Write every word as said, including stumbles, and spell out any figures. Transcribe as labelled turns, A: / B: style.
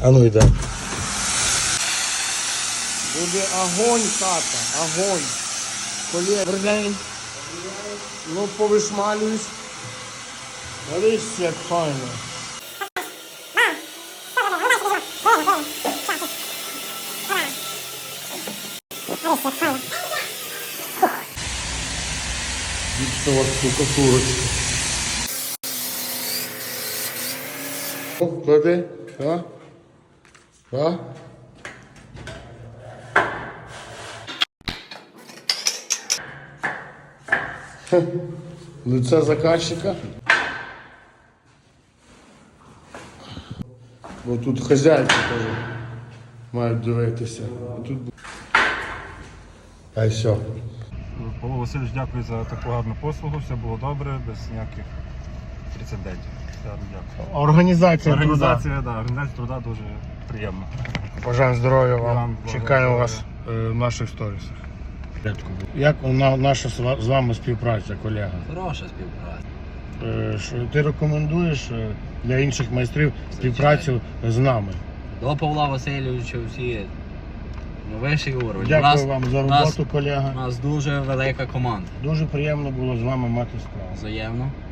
A: А ну йде.
B: Буде огонь, тата, огонь. Коли вернень, ну повишмалююсь. Дивись, як файно.
A: Гіпсова штукатурочка. О, клади, так? Так? Лице заказчика. Бо тут хазяйки теж мають дивитися. Тут... А й все.
C: Павло Васильович, дякую за таку гарну послугу, все було добре, без ніяких прецедентів. Гарно дякую.
A: Організація,
C: Організація, да, організація труда дуже приємна.
A: труда. Бажаємо здоров'я вам.
C: Вам
A: Чекаємо
C: здоров'я.
A: вас е, в наших сторісах. Як на- наша з ва- з вами співпраця, колега?
D: Хороша співпраця.
A: Е, що ти рекомендуєш е, для інших майстрів співпрацю з нами?
D: До Павла Васильовича всі на вищий уровень.
A: Дякую
D: у нас,
A: вам за
D: у нас-
A: роботу, колега.
D: У нас дуже велика команда.
A: Дуже приємно було з вами мати справу.
D: Взаємно.